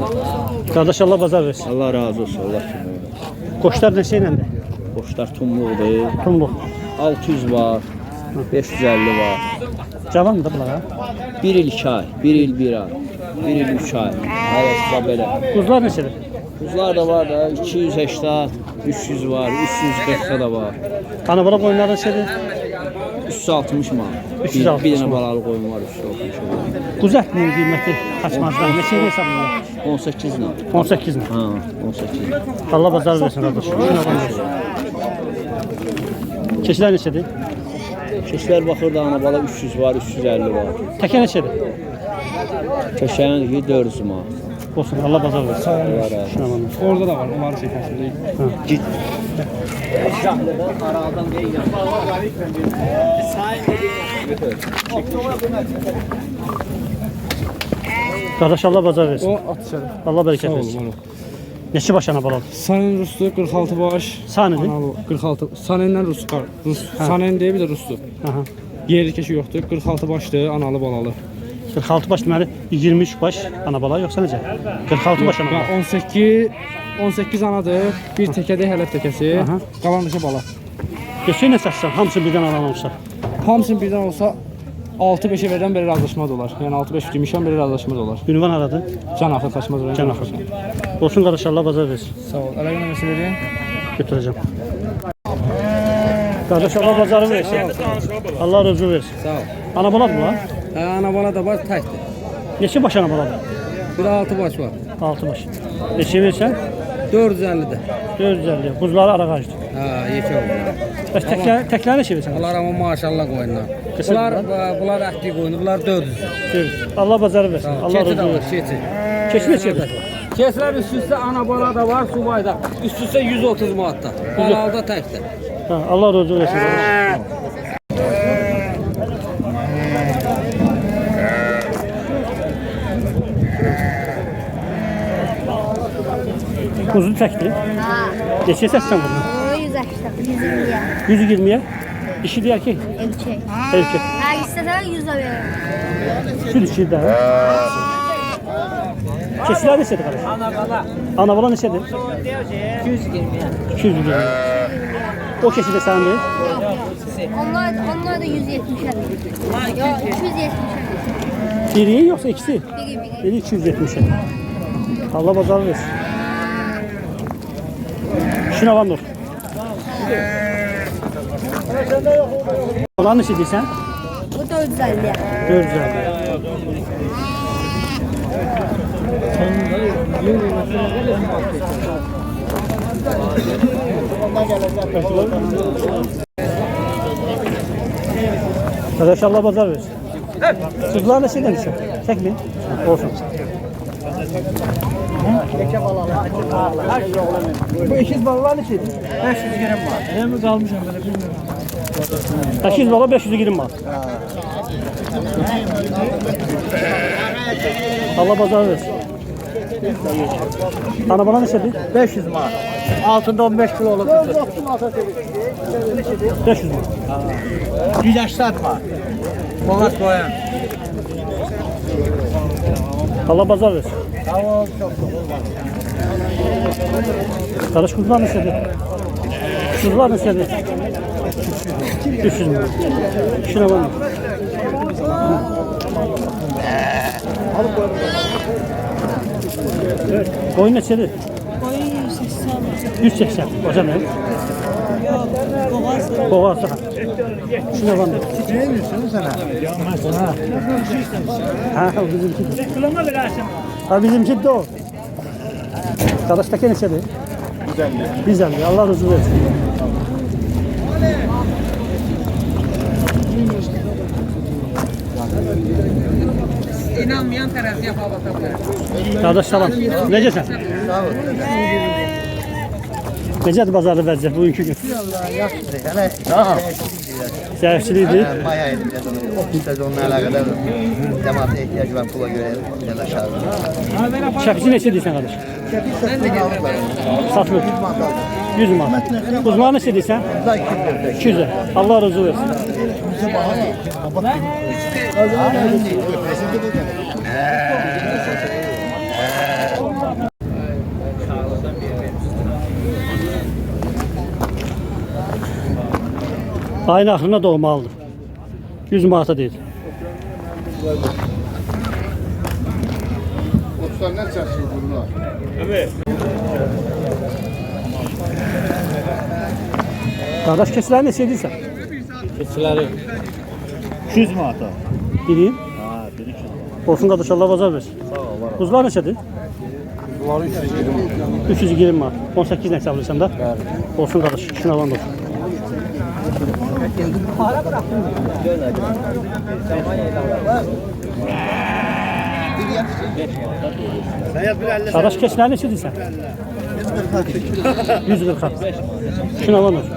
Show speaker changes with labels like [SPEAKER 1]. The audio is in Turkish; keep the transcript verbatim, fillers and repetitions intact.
[SPEAKER 1] Kardeş Allah bazar versin.
[SPEAKER 2] Allah razı olsun. Allah kimi.
[SPEAKER 1] Koçlar neçə iləndir?
[SPEAKER 2] Qoçlar tumluqdur.
[SPEAKER 1] Tumluq.
[SPEAKER 2] altı yüz var. beş yüz elli var.
[SPEAKER 1] Cavan da bunlar.
[SPEAKER 2] bir il iki ay. bir il bir ay. bir il üç ay. Arasında belə.
[SPEAKER 1] Quzlar neçədir?
[SPEAKER 2] Kuzlar da var da iki yüz səksən, üç yüz var. üç yüz qırx da var.
[SPEAKER 1] Ana bala qoyunlar neçədir?
[SPEAKER 2] üç yüz altmış man.
[SPEAKER 1] üç yüz altmış
[SPEAKER 2] Bir, bir dənə
[SPEAKER 1] man.
[SPEAKER 2] balalı qoyun var üç yüz altmış man.
[SPEAKER 1] Quz ətinin qiyməti kaçmazdan neçə hesabında?
[SPEAKER 2] on səkkiz ilə.
[SPEAKER 1] on səkkiz min.
[SPEAKER 2] Ha, on səkkiz.
[SPEAKER 1] Allah bazar versin kardeş. Şuna bak. Keçilər neçədir?
[SPEAKER 2] Keçilər baxır da ana bala üç yüz var, üç yüz elli var.
[SPEAKER 1] Təkə neçədir?
[SPEAKER 2] Keçəyin ki dörd yüz man.
[SPEAKER 1] Olsun Allah bazar versin.
[SPEAKER 2] Allah razı olsun.
[SPEAKER 1] Şuna bak.
[SPEAKER 3] Orada da var, onları çekersin değil.
[SPEAKER 2] Git.
[SPEAKER 1] Kardeş Allah bazar versin.
[SPEAKER 3] O at içeri.
[SPEAKER 1] Allah bereket
[SPEAKER 3] Sağ olun.
[SPEAKER 1] versin.
[SPEAKER 3] Oğlum.
[SPEAKER 1] Neçə baş ana baladır?
[SPEAKER 3] Sanen Ruslu kırk altı baş.
[SPEAKER 1] Sanidir?
[SPEAKER 3] Analı kırk altı. Sanen'den Rus var. Rus. Sanen diye bir de Ruslu.
[SPEAKER 1] Aha.
[SPEAKER 3] Yerli keşi yoktu. kırk altı baştı, analı balalı.
[SPEAKER 1] qırx altı baş deməli iyirmi üç baş ana bala yoxsa necə? qırx altı baş ana bala.
[SPEAKER 3] Ya on sekiz on sekiz anadır. Bir tekede helep tekesi.
[SPEAKER 1] Aha.
[SPEAKER 3] Kalan dışı bala.
[SPEAKER 1] Geçən nə satsan hamısı birdən alan olsa.
[SPEAKER 3] Hamısının birden olsa altı beşe veren biri razılaşma dolar. Yani altı beş demişəm biri razılaşma dolar.
[SPEAKER 1] Ünvan aradı.
[SPEAKER 3] Can axır taşmaz.
[SPEAKER 1] Can axır. Olsun qardaş Allah bazar versin.
[SPEAKER 3] Sağ ol. Əlaqə məsələləri.
[SPEAKER 1] Götüreceğim. Kardeş Allah bazarı versin. Allah razı versin.
[SPEAKER 3] Sağ ol.
[SPEAKER 1] Ana bala mı var?
[SPEAKER 3] Ha, ana bala da var təkdir.
[SPEAKER 1] Neçə baş ana baladır?
[SPEAKER 3] Bir altı baş var.
[SPEAKER 1] altı baş. Neçə versən?
[SPEAKER 3] dörd yüz əlli də.
[SPEAKER 1] dörd yüz əlli. Buzları ara qaçdı.
[SPEAKER 3] Ha, yekə oldu.
[SPEAKER 1] Bəs təklər, təklər neçə versən?
[SPEAKER 3] Bunlar ama maşallah qoyunlar.
[SPEAKER 1] Qısır
[SPEAKER 3] Bunlar
[SPEAKER 1] bunlar.
[SPEAKER 3] bunlar əhdi qoyunu. Bunlar dörd yüz.
[SPEAKER 1] dörd yüz. Allah bazarı versin. Allah
[SPEAKER 3] Keçi
[SPEAKER 1] razı
[SPEAKER 3] də var,
[SPEAKER 1] versin.
[SPEAKER 3] keçi.
[SPEAKER 1] Keçi neçədir?
[SPEAKER 3] Keçilər üst üstə ana bala da var, subayda. Üst üstə yüz otuz manatda. Balalda təkdir.
[SPEAKER 1] Ha, Allah razı versin. Kuzu çəkdi.
[SPEAKER 4] Ha.
[SPEAKER 1] Neçə səssən bunu?
[SPEAKER 4] O yüz seksen, yüz yirmiye.
[SPEAKER 1] yüz iyirmiyə. Dişi deyər ki,
[SPEAKER 4] Erkek.
[SPEAKER 1] erkek.
[SPEAKER 4] Ha istesen yüz de veririm.
[SPEAKER 1] Şu dişi də. Keçilər neçədir qardaş? Ana bala. Ana bala neçədir? iki yüz iyirmi. iki yüz iyirmi. O keçi də sənindir.
[SPEAKER 4] Onlar, onlar da yüz yetmişe. Yok iki yüz yetmişe.
[SPEAKER 1] Biri yoxsa ikisi?
[SPEAKER 4] Biri biri.
[SPEAKER 1] Biri iki yüz yetmişə. Allah bazarı versin. İşin avan dur. Olan neçə deyirsən?
[SPEAKER 4] Bu dört yüz elli.
[SPEAKER 1] dörd yüz əlli. Arkadaş Allah bazar versin. Kızlar neçə demişsin? Çəkmin. Olsun. Bu ikiz balalar neçədir? beş yüz gram var. Ne mi kalmışam böyle bilmiyorum. sekiz bala beş yüz gram var. Allah bazar versin. Ana bana neçədir?
[SPEAKER 2] beş yüz man. Altında on beş kilo olur.
[SPEAKER 1] beş yüz man.
[SPEAKER 2] yüz səksən man. Boğaz koyan.
[SPEAKER 1] Allah bazar versin.
[SPEAKER 2] Tamam, çok
[SPEAKER 1] Karış kuzular neçədir? Kuzular neçədir? üç yüz man. Şuna bak. Koyun neçədir? yüz səksən. Hocam ne? Boğaz. Boğaz. Şuna bak.
[SPEAKER 2] Ne diyorsun sana?
[SPEAKER 1] Ha. Ha, o bizimki. Ha, bizimki de o. Kardeşteki neçədir? yüz elli. yüz elli. Allah razı versin.
[SPEAKER 3] İnanmayan tərəf yapalım.
[SPEAKER 1] Kardeş salam. Necəsən?
[SPEAKER 2] Sağ ol.
[SPEAKER 1] Necədir bazarda vəziyyət bugünkü gün?
[SPEAKER 2] Allah yaxşıdır. Hələ tamam.
[SPEAKER 1] Zəifçilikdir.
[SPEAKER 2] Maya edeceğiz onu. Ofis sezonuna alakadar cemaate ihtiyacı var pula göre yanaşar.
[SPEAKER 1] Şəfisi neçə deyirsən qardaş?
[SPEAKER 2] Şefik satın aldık var.
[SPEAKER 1] Satılır. yüz manat. Uzmanı neçə deyirsən?
[SPEAKER 2] Daha iki yüz.
[SPEAKER 1] iki yüz. Allah razı versin. Ayın axırına doğmalıdır. yüz manata deyil.
[SPEAKER 5] Otuzlar ne çarşı bunlar?
[SPEAKER 1] Qardaş keçiləri neçə edirsən?
[SPEAKER 6] Keçiləri iki yüz manata.
[SPEAKER 1] Biri.
[SPEAKER 6] Ha, biri iki yüz.
[SPEAKER 1] Olsun qardaş Allah bazar versin.
[SPEAKER 6] Sağ ol, var.
[SPEAKER 1] Buzlar neçədir?
[SPEAKER 6] Bunları üç yüz iyirmi.
[SPEAKER 1] üç yüz iyirmi manat. on səkkiz nə hesablayırsan da?
[SPEAKER 6] Bəli.
[SPEAKER 1] Olsun qardaş, işin alan da olsun. Qardaş keçiləri neçə edirsən? yüz qırx. İşin alan da olsun.